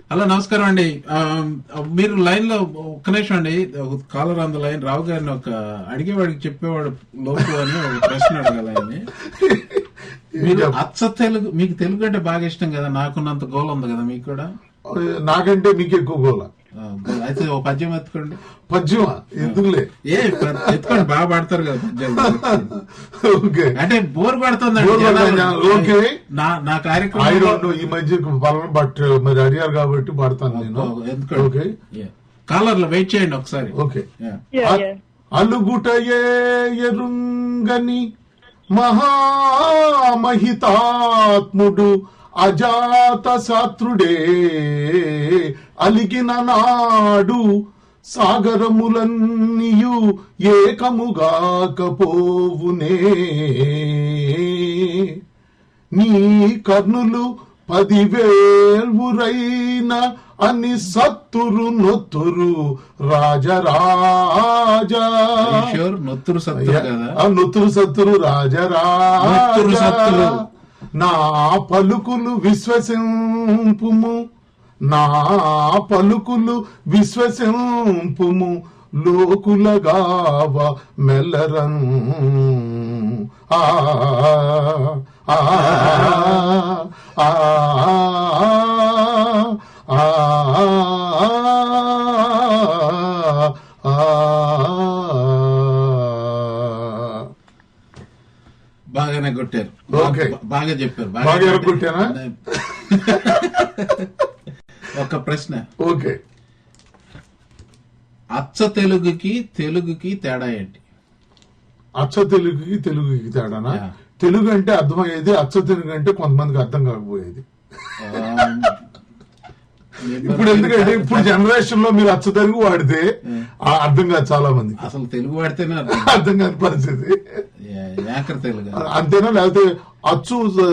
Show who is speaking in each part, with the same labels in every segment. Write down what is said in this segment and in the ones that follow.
Speaker 1: Hello నమస్కారం అండి. మీరు లైన్ లో ఒక్క నిమిషం అండి. Caller on the line. Rao గారిని ఒక అడిగేవాడికి చెప్పేవాడు లోపు అని ఒక ప్రశ్న అడగాలని. మీరు అచ్చ తెలుగు, మీకు తెలుగు అంటే బాగా ఇష్టం కదా, నాకున్నంత గోల ఉంది కదా మీకు కూడా?
Speaker 2: నాకంటే మీకు ఎక్కువ గోల.
Speaker 1: అయితే ఓ పద్యం ఎత్తుకోండి.
Speaker 2: పద్యమా? ఎందుకులే,
Speaker 1: ఎత్తుకోండి, బాగా పాడతారు కదా పద్యాలు. అంటే బోర్ పడుతుంది నా కార్యక్రమం
Speaker 2: ఈ మధ్య బట్ మరి అడిగారు కాబట్టి పడతాను నేను.
Speaker 1: ఎందుకంటే కాలర్ లో వెయిట్ చేయండి ఒకసారి.
Speaker 2: ఓకే. అలుగుటయే ఎరుంగని మహామహితాత్ముడు అజాత శత్రుడే అలిగిన నాడు సాగరములన్నీయు ఏకముగాకపోవునే. నీ కర్ణులు 10,000 అని సత్తురు నొత్తురు రాజరాజా.
Speaker 1: నొత్తురు
Speaker 2: సత్తురు రాజరాజా. నా పలుకులు విశ్వసింపుము, నా పలుకులు విశ్వసింపుము, లోకులగావ మెల్లరన్. ఆ ఆ ఆ
Speaker 1: బాగానే కొట్టారు, బాగా చెప్పారు,
Speaker 2: బాగా కొట్టారా?
Speaker 1: ఒక ప్రశ్న.
Speaker 2: ఓకే.
Speaker 1: అచ్చ తెలుగుకి తేడా ఏంటి?
Speaker 2: అచ్చ తెలుగుకి తేడానా? తెలుగు అంటే అర్థమయ్యేది, అచ్చ తెలుగు అంటే కొంతమందికి అర్థం కాకపోయేది. ఇప్పుడు ఎందుకంటే ఇప్పుడు జనరేషన్ లో మీరు అచ్చ తెలుగు వాడితే అర్థం కాదు చాలా మంది.
Speaker 1: అసలు తెలుగు వాడితేనే
Speaker 2: అర్థం కాని పరిస్థితి.
Speaker 1: తెలుగు
Speaker 2: అంతేనా? లేకపోతే అచ్చు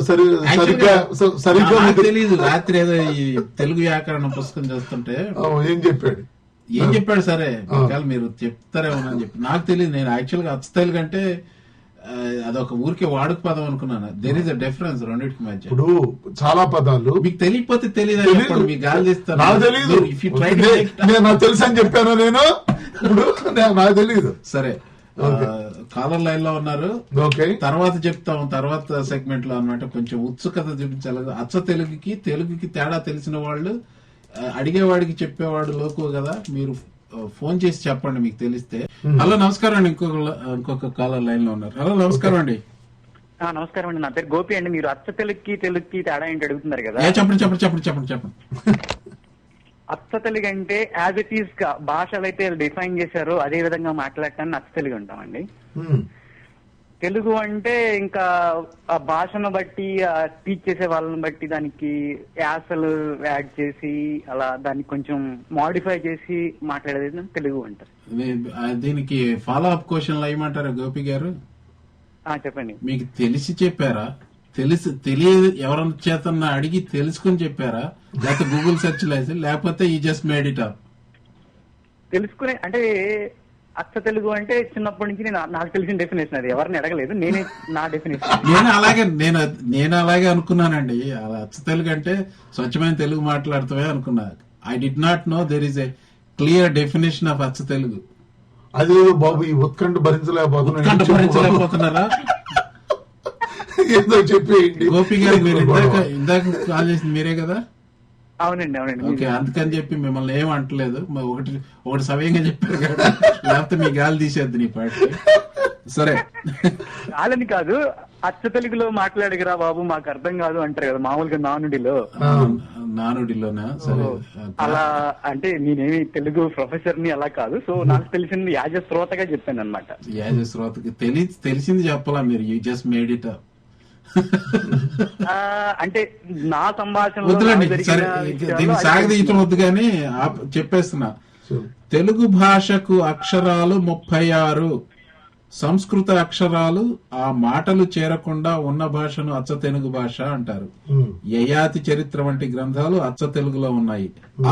Speaker 2: సరిగ్గా
Speaker 1: తెలీదు. రాత్రి ఏదో ఈ తెలుగు వ్యాకరణ పుస్తకం చేస్తుంటే
Speaker 2: ఏం చెప్పాడు
Speaker 1: సరే మీరు చెప్తారేమోనని చెప్పి నాకు తెలియదు. నేను యాక్చువల్ గా అచ్చ తెలుగు అంటే అదొక ఊరికే వాడుక పదం అనుకున్నాను. దేర్ ఇస్ అ డిఫరెన్స్ రెండింటికి మధ్య.
Speaker 2: ఇప్పుడు చాలా పదాలు మీకు
Speaker 1: తెలియకపోతే తెలియదు, మీకు గాలి తీస్తాను.
Speaker 2: నాకు తెలియదు, నాకు తెలుసు అని చెప్పాను నేను. ఇప్పుడు నాకు తెలియదు.
Speaker 1: సరే, కాలర్ లైన్ లో ఉన్నారు. తర్వాత చెప్తాం, తర్వాత సెగ్మెంట్ లో అన్నమాట. కొంచెం ఉత్సుకత చూపించాలి. అచ్చ తెలుగుకి తేడా తెలిసిన వాళ్ళు అడిగేవాడికి చెప్పేవాడు లోకు కదా. మీరు ఫోన్ చేసి చెప్పండి మీకు తెలిస్తే. హలో నమస్కారం అండి. ఇంకొక కాలర్ లైన్ లో ఉన్నారు. హలో నమస్కారం అండి.
Speaker 3: నమస్కారం అండి, నా పేరు గోపి అండి. మీరు అచ్చ తెలుగుకి తేడా ఏంటి అడుగుతున్నారు కదా.
Speaker 1: చెప్పండి.
Speaker 3: అచ్చ తెలుగు అంటే యాజ్ ఇట్ ఈస్ భాషలు అయితే డిఫైన్ చేశారో అదే విధంగా మాట్లాడటాన్ని అచ్చ తెలుగు అంటామండి. తెలుగు అంటే ఇంకా ఆ భాషను బట్టి, టీచ్ చేసే వాళ్ళని బట్టి దానికి యాసలు యాడ్ చేసి అలా దాన్ని కొంచెం మోడిఫై చేసి మాట్లాడేది తెలుగు అంటారు.
Speaker 1: దీనికి ఫాలో అప్ క్వశ్చన్లు ఏమంటారా గోపి గారు?
Speaker 3: చెప్పండి.
Speaker 1: మీకు తెలిసి చెప్పారా, తెలియదు ఎవరైనా చేతన్నా అడిగి తెలుసుకుని చెప్పారా, లేకపోతే గూగుల్ సెర్చ్ లేసి, లేకపోతే ఈ జస్ట్ మేడ్ ఇట్ అప్?
Speaker 3: తెలుసుకునే అంటే అచ్చ తెలుగు అంటే చిన్నప్పటి నుంచి నాకు తెలిసిన డెఫినేషన్ అది, ఎవరిని అడగలేదు, నేనే నా డెఫినేషన్.
Speaker 1: నేను అలాగే అనుకున్నానండి. అచ్చ తెలుగు అంటే స్వచ్ఛమైన తెలుగు మాట్లాడుతావే అనుకున్నా. I did not know there is a clear definition of అచ్చ తెలుగు.
Speaker 2: అదే బాబు, ఈ ఉత్కంఠ భరించలేకపోతున్నారా? ఏదో చెప్పేయండి
Speaker 1: గోపి గారు. మీరు ఇందాక కాల్ చేసింది మీరే కదా?
Speaker 3: అవునండి.
Speaker 1: ఓకే, అందుకని చెప్పి మిమ్మల్ని ఏం అంటలేదు. ఒకటి సవ్యంగా చెప్పారు కదా, లేకపోతే మీ గాలి తీసేద్ది నీ పాటి. సరే,
Speaker 3: గాలని కాదు, అచ్చ తెలుగులో మాట్లాడగరా బాబు, మాకు అర్థం కాదు అంటారు కదా మామూలుగా
Speaker 1: నానుడిలోనా? సరే,
Speaker 3: అలా అంటే నేనేమి తెలుగు ప్రొఫెసర్ ని అలా కాదు. సో నాకు తెలిసింది యాజ్ ఎ శ్రోతగా చెప్పాను అనమాట.
Speaker 1: యాజ్ ఎ శ్రోతకి తెలిసింది చెప్పాలా మీరు? You just made it up.
Speaker 3: అంటే నా సంభాషణ
Speaker 1: దీన్ని సాగదీయటం వద్దు కానీ చెప్పేస్తున్నా. తెలుగు భాషకు అక్షరాలు 36, సంస్కృత అక్షరాలు ఆ మాటలు చేరకుండా ఉన్న భాషను అచ్చ తెలుగు భాష అంటారు. యయాతి చరిత్ర వంటి గ్రంథాలు అచ్చ తెలుగులో ఉన్నాయి.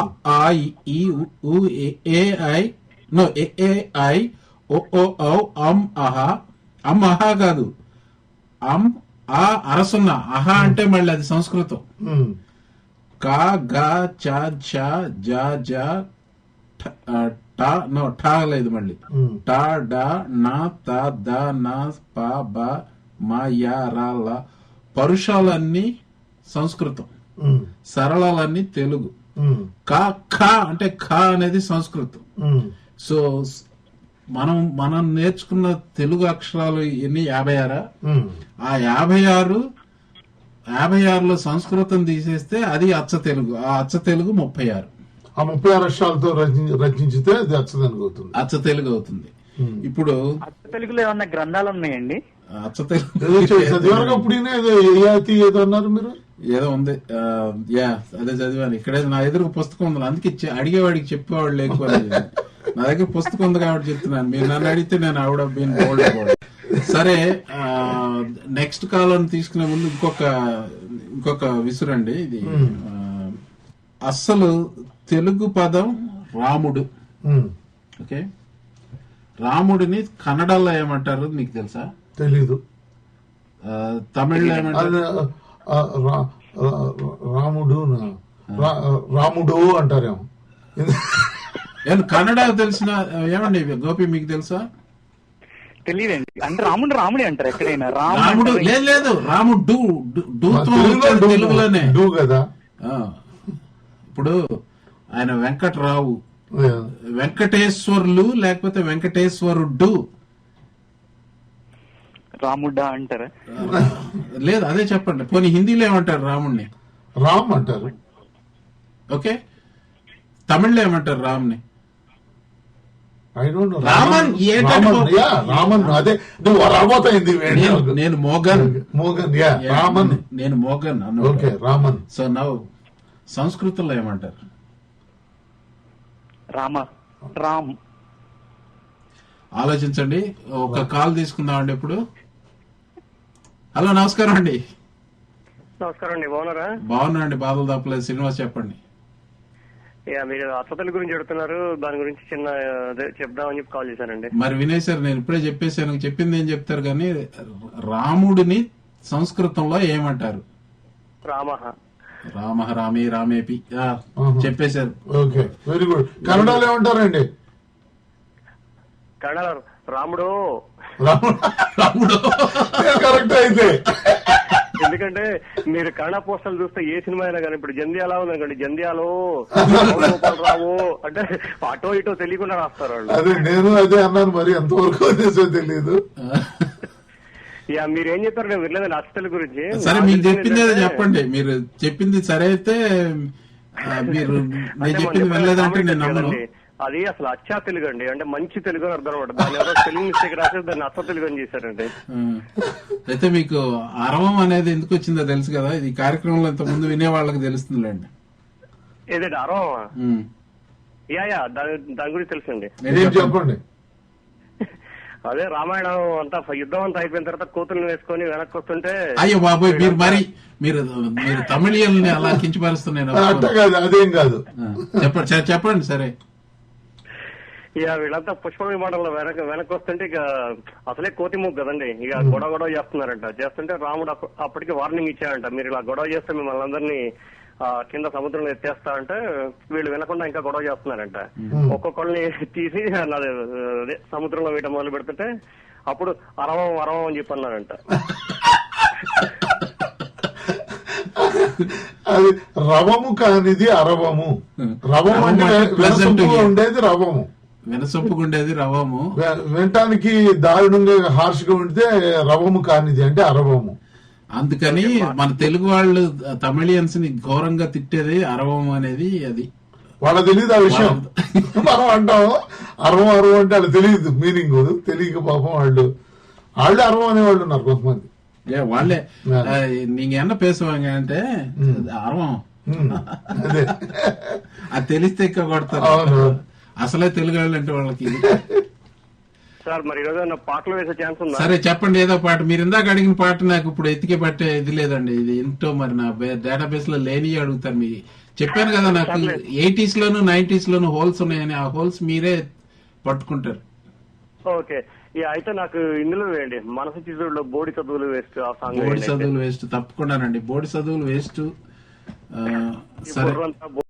Speaker 1: అమ్ అహా కాదు, అమ్ ఆ అరసున్న, అహా అంటే మళ్ళీ అది సంస్కృతం. కా గా చా ఛా జా జా టా నో ఠా లేదు మళ్ళీ టా డా నా తా దా నా పా బా మా యా రా లా. పరుషాలన్నీ సంస్కృతం, సరళాలన్నీ తెలుగు. కా ఖా అంటే ఖా అనేది సంస్కృతం. సో మనం నేర్చుకున్న తెలుగు అక్షరాలు ఎన్ని 56. ఆ 56లో సంస్కృతం తీసేస్తే అది అచ్చ తెలుగు. ఆ అచ్చ తెలుగు 36.
Speaker 2: ఆ 36 అక్షరాలతో రచించితే అది అచ్చ తెలుగు అవుతుంది.
Speaker 1: అచ్చ తెలుగు అవుతుంది. ఇప్పుడు
Speaker 3: అచ్చ తెలుగులో ఏమన్నా గ్రంథాలు ఉన్నాయండి?
Speaker 1: అచ్చ తెలుగు
Speaker 2: ఏదో అన్నారు మీరు,
Speaker 1: ఏదో ఉంది. అదే చదివాను. ఇక్కడే నా ఎదురు పుస్తకం ఉంది, అందుకే అడిగేవాడికి చెప్పేవాళ్ళు ఎక్కువ. నా దగ్గర పుస్తకం ఉంది కాబట్టి చెప్తున్నాను. మీరు నన్ను అడిగితే నేను ఆవిడ బీన్ బోల్డ్. సరే, నెక్స్ట్ కాలం తీసుకునే ముందు ఇంకొక విసురండి. ఇది అస్సలు తెలుగు పదం రాముడు. ఓకే, రాముడిని కన్నడలో ఏమంటారు మీకు తెలుసా?
Speaker 2: తెలీదు.
Speaker 1: తమిళ్లో ఏమంటారు?
Speaker 2: రాముడు అంటారేమో.
Speaker 1: కన్నడ తెలిసిన ఏమండి గోపి, మీకు తెలుసా?
Speaker 3: తెలియదండి. అంటే రాముడే అంటారు ఎక్కడైనా.
Speaker 1: రాముడు లేదు, రాముడు తెలుగులోనే
Speaker 2: కదా.
Speaker 1: ఇప్పుడు ఆయన వెంకట్రావు, వెంకటేశ్వర్లు లేకపోతే వెంకటేశ్వరుడు.
Speaker 3: రాముడా అంటారా?
Speaker 1: లేదు, అదే చెప్పండి. పోనీ హిందీలో ఏమంటారు రాముడిని?
Speaker 2: రామ్ అంటారు.
Speaker 1: ఓకే, తమిళ్లో ఏమంటారు రామ్ని?
Speaker 2: రామన్. అదే నువ్వు రాబోతాయింది.
Speaker 1: నేను మోగన్.
Speaker 2: రామన్.
Speaker 1: నేను Mogan.
Speaker 2: Okay, Raman.
Speaker 1: So now సంస్కృతంలో ఏమంటారు?
Speaker 3: రామ్.
Speaker 1: ఆలోచించండి. ఒక కాల్ తీసుకుందామండి ఇప్పుడు. హలో, నమస్కారం అండి.
Speaker 4: నమస్కారం అండి, బాగున్నారా?
Speaker 1: బాగున్నా అండి, బాధలు తప్పలేదు. శ్రీనివాస్ చెప్పండి.
Speaker 4: మీరు అచ్చతల గురించి చెడుతున్నారు, దాని గురించి చిన్న చెప్దామని చెప్పి కాల్ చేశానండి.
Speaker 1: మరి వినేశారు, నేను ఇప్పుడే చెప్పేశాను. చెప్పింది ఏం చెప్తారు కానీ రాముడిని సంస్కృతంలో ఏమంటారు?
Speaker 4: రామ,
Speaker 1: రామే, రామేపి చెప్పేశారు.
Speaker 2: Okay, very good. కన్నడలో ఏమంటారండి?
Speaker 4: కన్నడ రాముడు.
Speaker 2: కరెక్ట్ అయితే.
Speaker 4: ఎందుకంటే మీరు కన్నడ పోస్టర్లు చూస్తే ఏ సినిమా అయినా కానీ, ఇప్పుడు జంధ్యాల ఉందనుకోండి, జంధ్యాలో రావు అంటే అటో ఇటో తెలియకుండా రాస్తారు వాళ్ళు.
Speaker 2: అదే నేను అదే అన్నాను, మరి ఎంతవరకు తెలియదు.
Speaker 4: మీరేం చెప్పారు నేను వినలేదండి అచ్చతల గురించి.
Speaker 1: సరే, మీరు చెప్పింది చెప్పండి. మీరు చెప్పింది సరే అయితే మీరు చెప్పింది వినలేదంటే నేను నమ్మను.
Speaker 4: అది అసలు అచ్చా తెలుగు అండి, అంటే మంచి తెలుగు అని అర్థం అనమాట. దాని ఎవరో స్పెల్లింగ్ మిస్టేక్ రాసేది దాన్ని అచ్చ తెలుగు అని చేశారండి.
Speaker 1: అయితే మీకు అరవం అనేది ఎందుకు వచ్చిందో తెలుసు కదా. ఇది కార్యక్రమంలో ఇంత ముందు వినే వాళ్ళకి తెలుస్తుందిలేండి.
Speaker 4: ఏదండి అరవమా? దాని గురించి తెలుసండి.
Speaker 2: చెప్పండి.
Speaker 4: అదే రామాయణం అంతా యుద్ధం అంతా అయిపోయిన తర్వాత కూతుర్ని వేసుకొని వెనక్కి వస్తుంటే,
Speaker 1: అయ్యో బాబోయ్, మీరు తమిళియల్ని అలా కించపరుస్తున్నాను.
Speaker 2: అదేం కాదు,
Speaker 1: చెప్పండి. సరే,
Speaker 4: ఇక వీళ్ళంతా పుష్ప విమానంలో వెనక్కి వస్తుంటే ఇక అసలే కోతి మూగు కదండి, ఇక గొడవ చేస్తున్నారంట. చేస్తుంటే రాముడు అప్పటికి వార్నింగ్ ఇచ్చాడంట, మీరు ఇలా గొడవ చేస్తే మిమ్మల్ని అందరినీ కింద సముద్రంలో ఎత్తేస్తా అంటే వీళ్ళు వినకుండా ఇంకా గొడవ చేస్తున్నారంట. ఒక్కొక్కళ్ళని తీసి అదే సముద్రంలో వేయటం మొదలు పెడుతుంటే అప్పుడు అరవం అని చెప్పి అన్నారంట.
Speaker 2: అది రవము కానిది అరవము. రవము అంటే ఉండేది రవము,
Speaker 1: వినసొప్పుకుండేది రవము.
Speaker 2: వినటానికి దారుణంగా హార్ష్ గా ఉంటే రవము కానిది అంటే అరవము.
Speaker 1: అందుకని మన తెలుగు వాళ్ళు తమిళియన్స్ ని ఘోరంగా తిట్టేది అరవం అనేది. అది
Speaker 2: వాళ్ళకి తెలియదు ఆ విషయం. మనం అంటాం అరవం అంటే వాళ్ళకి తెలియదు మీనింగ్. తెలియక పాపం వాళ్ళు అరవం అనేవాళ్ళు ఉన్నారు కొంతమంది.
Speaker 1: వాళ్ళే నీకు ఎన్న పేసువాங்க అంటే అరవం అది తెలిస్తే ఎక్కువ కొడతారు. అసలే తెలుగు వాళ్ళు అంటే వాళ్ళకి.
Speaker 4: సార్ మరి ఈరోజు పాటలు వేసే ఛాన్స్ ఉందా?
Speaker 1: సరే చెప్పండి, ఏదో పాట. మీరు ఇందాక అడిగిన పాట నాకు ఇప్పుడు ఎత్తికే పట్టే ఇది లేదండి. ఇది ఏంటో మరి నా డేటాబేస్ లో లేని అడుగుతారు. మీకు చెప్పాను కదా, నాకు 80s లోను 90s లోను హోల్స్ ఉన్నాయని. ఆ హోల్స్ మీరే పట్టుకుంటారు.
Speaker 4: ఓకే, అయితే నాకు ఇందులో వేయండి, మనసు చిత్రుల్లో బోడి చదువులు వేస్ట్. ఆ సాంగ్
Speaker 1: బోడి చదువులు వేస్ట్ తప్పకుండానండి. బోడి చదువులు వేస్ట్ సరే
Speaker 4: బుర్రంతా